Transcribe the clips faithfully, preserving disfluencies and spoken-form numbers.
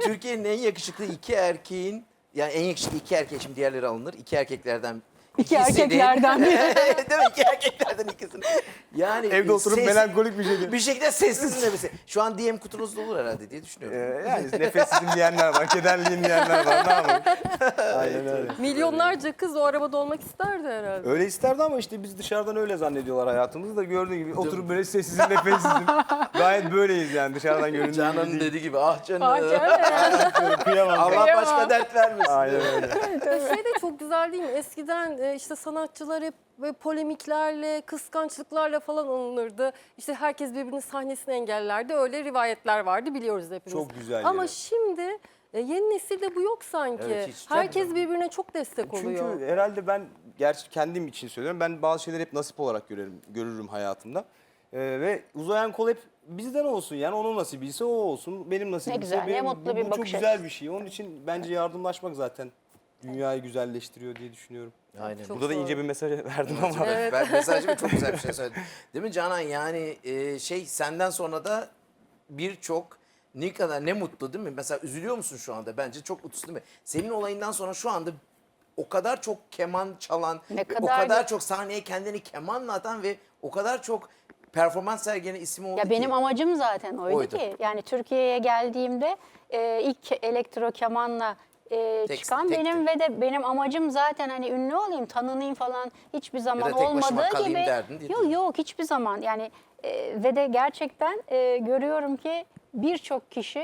Türkiye'nin en yakışıklı iki erkeğin, yani en yakışıklı iki erkek, şimdi diğerleri alınır. İki erkeklerden İki ikisini- erkeklerden biri. Değil mi? İki erkeklerden ikisini. Yani Evde oturup ses- melankolik bir şekilde. Bir şekilde sessiz nefesi. Şu an D M kutunuzda olur herhalde diye Ee, düşünüyorum. yani nefessizim diyenler var, kederliyim diyenler var. Ne yapalım? Aynen öyle. Milyonlarca kız o arabada olmak isterdi herhalde. Öyle isterdi ama işte biz dışarıdan öyle zannediyorlar hayatımızı da gördüğün gibi oturup böyle sessizim, nefessizim. Gayet böyleyiz yani dışarıdan göründüğü gibi Canan'ın değil. dediği gibi ah canım. Ah canım. Kıyamam. Allah Kıyamam. başka dert vermesin. Aynen öyle. Şey de çok güzel değil mi? Eskiden e, işte sanatçılar hep böyle polemiklerle, kıskançlıklarla falan anılırdı. İşte herkes birbirinin sahnesini engellerdi. Öyle rivayetler vardı, biliyoruz hepimiz. Çok güzel Ama yere. şimdi e, yeni nesilde bu yok sanki. Evet, hiç Herkes çok- birbirine çok destek oluyor. Çünkü herhalde ben, gerçi kendim için söylüyorum, ben bazı şeyleri hep nasip olarak görürüm, görürüm hayatımda. Ee, ve uzayan kol hep bizden olsun, yani onun nasibiyse o olsun, benim nasibimse güzel, ne benim. mutlu bu, bir bu çok bakış güzel açısı. bir şey. Onun için bence yardımlaşmak zaten dünyayı güzelleştiriyor diye düşünüyorum. Aynen. Çok Burada da doğru. ince bir mesaj verdim ama. Evet. Ben mesajcıma çok güzel bir şey söyledim. Değil mi Canan? Yani e, şey, senden sonra da birçok, ne kadar ne mutlu değil mi? Mesela üzülüyor musun şu anda? Bence çok mutlusun değil mi? Senin olayından sonra şu anda o kadar çok keman çalan, Ne ve o kadar kadar da- çok sahneye kendini kemanla atan ve o kadar çok performans sergilenen isim oldu Ya ki. benim amacım zaten oydu, Oydu. ki. Yani Türkiye'ye geldiğimde e, ilk elektro kemanla e, Tek- çıkan tekti. benim ve de benim amacım zaten hani ünlü olayım, tanınayım falan hiçbir zaman tek başıma olmadığı kalayım gibi. derdin değil Yok mi? yok hiçbir zaman yani e, ve de gerçekten e, görüyorum ki birçok kişi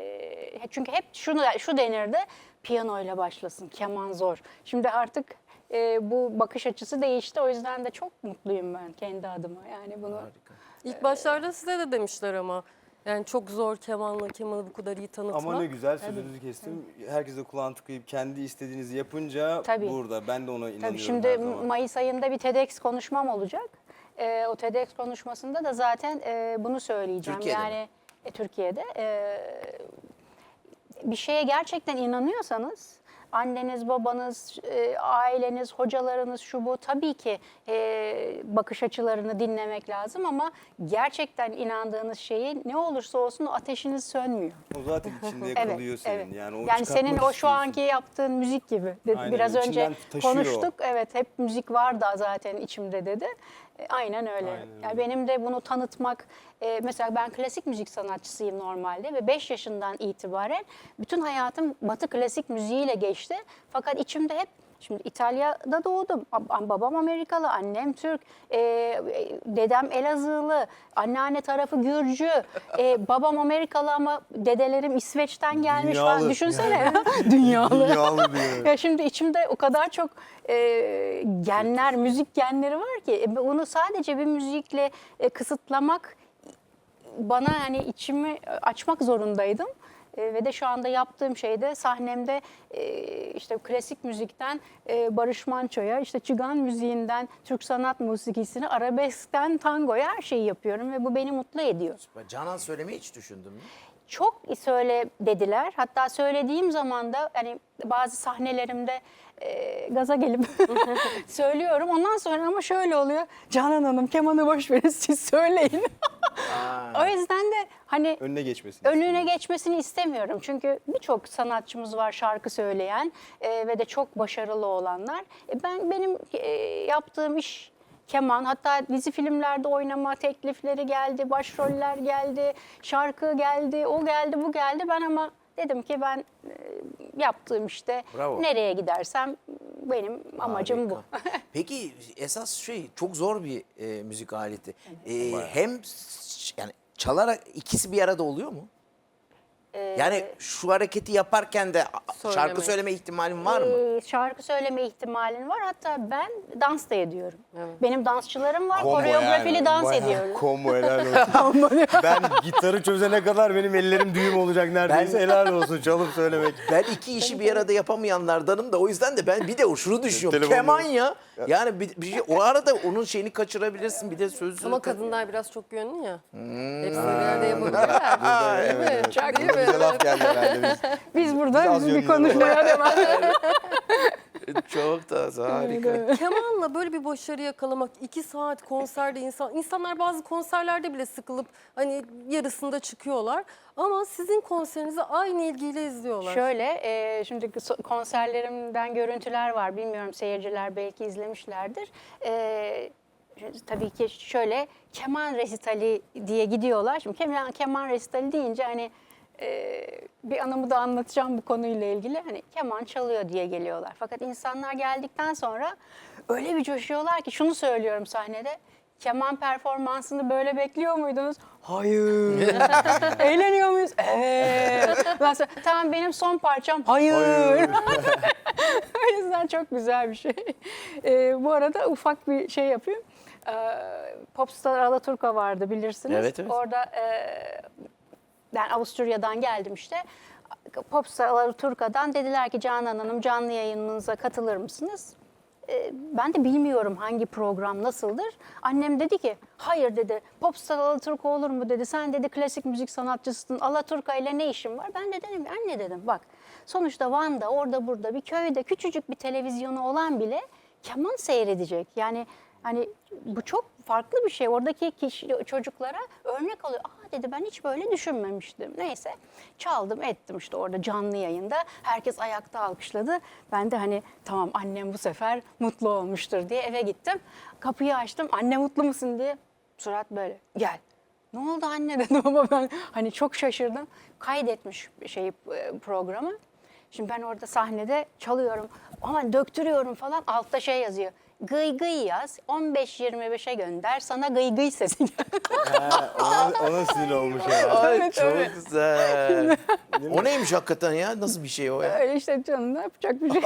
e, çünkü hep şunu şu denirdi, piyanoyla başlasın, keman zor. Şimdi artık e, bu bakış açısı değişti, o yüzden de çok mutluyum ben kendi adıma yani bunu. Harika. İlk başlarda size de demişler ama. Yani çok zor kemanla kemanı bu kadar iyi tanıtmak. Ama ne güzel, sözünüzü kestim. Herkes de kulağını tıkayıp kendi istediğinizi yapınca Tabii. burada. Ben de ona inanıyorum Tabii şimdi her zaman. Mayıs ayında bir TEDx konuşmam olacak. Ee, o TEDx konuşmasında da zaten e, bunu söyleyeceğim. Türkiye'de mi? yani e, Türkiye'de e, bir şeye gerçekten inanıyorsanız, anneniz, babanız, e, aileniz, hocalarınız, şu bu, tabii ki e, bakış açılarını dinlemek lazım ama gerçekten inandığınız şeyi ne olursa olsun o ateşiniz sönmüyor. O zaten içinde Evet, yakalıyor senin. evet. Yani, o Yani senin çıkartmak o şu anki istiyorsun. yaptığın müzik gibi. Dedi, Aynen, biraz önce içinden taşıyor konuştuk. Evet, hep müzik var da zaten içimde dedi. E, aynen öyle. Aynen öyle. Yani benim de bunu tanıtmak, e, mesela ben klasik müzik sanatçısıyım normalde ve beş yaşından itibaren bütün hayatım Batı klasik müziğiyle geçti. Fakat içimde hep, şimdi İtalya'da doğdum. Ab- Babam Amerikalı, annem Türk, e, dedem Elazığlı, anneanne tarafı Gürcü, e, babam Amerikalı ama dedelerim İsveç'ten gelmiş Dünyalı. falan. Düşünsene. Dünyalı. Dünyalı diyor. Ya şimdi içimde o kadar çok e, genler, müzik genleri var ki e, bunu sadece bir müzikle e, kısıtlamak bana hani içimi açmak zorundaydım. E, ve de şu anda yaptığım şeyde sahnemde e, işte klasik müzikten e, Barış Manço'ya, işte Çigan müziğinden Türk sanat musikisine, arabeskten tangoya her şeyi yapıyorum ve bu beni mutlu ediyor. Canan söylemeyi hiç düşündün mü? Çok söyle dediler. Hatta söylediğim zaman da hani bazı sahnelerimde e, gaza gelip söylüyorum. Ondan sonra ama şöyle oluyor. Canan Hanım kemanı boş verin siz söyleyin. O yüzden de hani Önüne geçmesin. önüne geçmesini istemiyorum. Çünkü birçok sanatçımız var şarkı söyleyen e, ve de çok başarılı olanlar. E, ben benim e, yaptığım iş keman, hatta dizi filmlerde oynama teklifleri geldi, başroller geldi, şarkı geldi, o geldi, bu geldi. Ben ama dedim ki ben e, yaptığım işte Bravo. nereye gidersem benim amacım bu. Harika. Peki esas şey, çok zor bir e, müzik aleti. E, hem s- yani çalarak ikisi bir arada oluyor mu? Yani şu hareketi yaparken de a- şarkı Söyleme. söyleme ihtimalin var mı? Ee, şarkı söyleme ihtimalin var. Hatta ben dans da ediyorum. Evet. Benim dansçılarım var. Combo Koreografili yani, dans bayağı ediyorum. Combo, helal olsun. Ben gitarı çözene kadar benim ellerim düğüm olacak neredeyse. Ben- Helal olsun çalıp söylemek. Ben iki işi bir arada yapamayanlardanım da o yüzden de ben bir de o şunu düşünüyorum. Telefonu- Keman ya. Yani bir, bir şey, o arada onun şeyini kaçırabilirsin, bir de sözünü. Ama kadınlar biraz çok yönlü ya. Hepsini bir arada yapabilirler. Burada, Değil mi? evet, evet. Çok Burada bize laf geldi herhalde biz. Biz burada Biz az bizim bir yönlü konuşmaya devam. Çok da harika. Kemanla böyle bir başarı yakalamak, iki saat konserde insan, insanlar bazı konserlerde bile sıkılıp hani yarısında çıkıyorlar. Ama sizin konserinizi aynı ilgiyle izliyorlar. Şöyle, e, şimdi so- konserlerimden görüntüler var. Bilmiyorum, seyirciler belki izlemişlerdir. E, tabii ki şöyle keman resitali diye gidiyorlar. Şimdi keman, keman resitali deyince hani e, bir anımı da anlatacağım bu konuyla ilgili. Hani keman çalıyor diye geliyorlar. Fakat insanlar geldikten sonra öyle bir coşuyorlar ki şunu söylüyorum sahnede. Keman performansını böyle bekliyor muydunuz? Hayır. Eğleniyor muyuz? Evet. Ondan sonra, tamam benim son parçam. Hayır. O yüzden çok güzel bir şey. Ee, bu arada ufak bir şey yapayım. Ee, Popstar Alaturka vardı bilirsiniz. Evet, evet. Orada e, ben Avusturya'dan geldim işte. Popstar Alaturka'dan dediler ki Canan Hanım canlı yayınınıza katılır mısınız? Ee, Ben de bilmiyorum hangi program nasıldır. Annem dedi ki hayır dedi, Popstar Alaturka olur mu dedi. Sen dedi klasik müzik sanatçısın, Alaturka ile ne işin var? Ben de dedim anne dedim bak sonuçta Van'da orada burada bir köyde küçücük bir televizyonu olan bile keman seyredecek. Yani hani bu çok farklı bir şey. Oradaki kişi, çocuklara örnek oluyor. Aa dedi ben hiç böyle düşünmemiştim. Neyse çaldım ettim işte orada canlı yayında. Herkes ayakta alkışladı. Ben de hani tamam annem bu sefer mutlu olmuştur diye eve gittim. Kapıyı açtım. Anne mutlu musun diye. Surat böyle gel. Ne oldu anne dedim ama ben hani çok şaşırdım. Kaydetmiş şeyi programı. Şimdi ben orada sahnede çalıyorum ama döktürüyorum falan altta şey yazıyor. Gıy gıy yaz on beş yirmi beşe gönder sana gıy gıy sesi. Ha, ona, ona sinir olmuş yani. Ay Evet, çok evet. güzel. O neymiş hakikaten ya? Nasıl bir şey o ya? Öyle işte canım ne yapacak bir şey.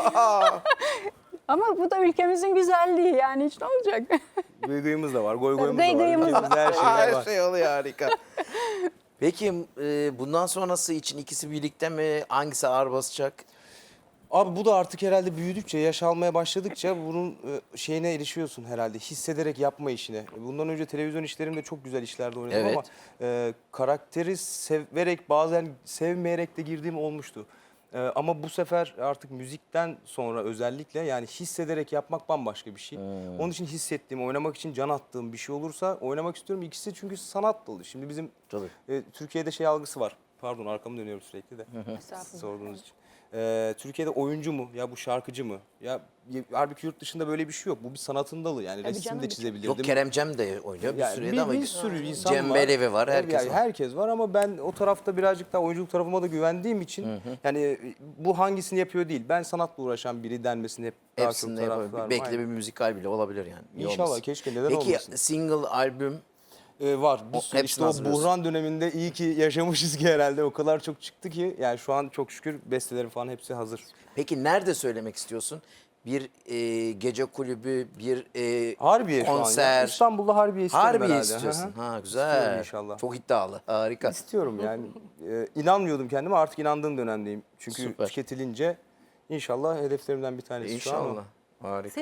Ama bu da ülkemizin güzelliği yani hiç ne olacak? Gıygıyımız da var, goy goyumuz Gıy da var. gıyımız da Ülkemizde her şey Her var. şey oluyor harika. Peki e, bundan sonrası için ikisi birlikte mi? Hangisi ağır basacak? Abi bu da artık herhalde büyüdükçe, yaş almaya başladıkça bunun e, şeyine erişiyorsun herhalde. Hissederek yapma işine. Bundan önce televizyon işlerimde çok güzel işlerde oynadım Evet. ama e, karakteri severek bazen sevmeyerek de girdiğim olmuştu. E, ama bu sefer artık müzikten sonra özellikle yani hissederek yapmak bambaşka bir şey. Onun için hissettiğim, oynamak için can attığım bir şey olursa oynamak istiyorum. İkisi çünkü sanat dalı. Şimdi bizim Tabii. e, Türkiye'de şey algısı var. Pardon arkamı dönüyorum sürekli de. Estağfurullah. Sorduğunuz için. Ee, Türkiye'de oyuncu mu ya bu şarkıcı mı? Ya y- halbuki yurt dışında böyle bir şey yok. Bu bir sanatın dalı yani Tabii resim canım, de birçok- çizebilirdim. Yok Kerem Cem de oynuyor bir Yani sürede bir, ama bir sürü insan Cem var. Belevi var, Tabii herkes yani var. herkes var ama ben o tarafta birazcık daha oyunculuk tarafıma da güvendiğim için yani e, bu hangisini yapıyor değil. Ben sanatla uğraşan biri denmesini hep daha çok hepsinde yapabilir. taraftarım. Belki de Aynen. bir müzikal bile olabilir yani. Niye İnşallah, olmasın? keşke, neden Peki olmasın? single albüm Ee, var. Bir O- sürü. hepsini İşte o hazırlıyorsun. buhran döneminde iyi ki yaşamışız ki herhalde. O kadar çok çıktı ki yani şu an çok şükür bestelerim falan hepsi hazır. peki nerede söylemek istiyorsun? Bir e, gece kulübü, bir e, Harbiye şu an. ya. konser. İstanbul'da Harbiye istiyorum Harbiye herhalde. istiyorsun. Hı hı. Ha İstiyorum güzel. inşallah. Çok iddialı. Harika. İstiyorum yani. Ee, inanmıyordum kendime, artık inandığım dönemdeyim. Çünkü Süper. tüketilince inşallah hedeflerimden bir tanesi şu an o. İnşallah. Harika.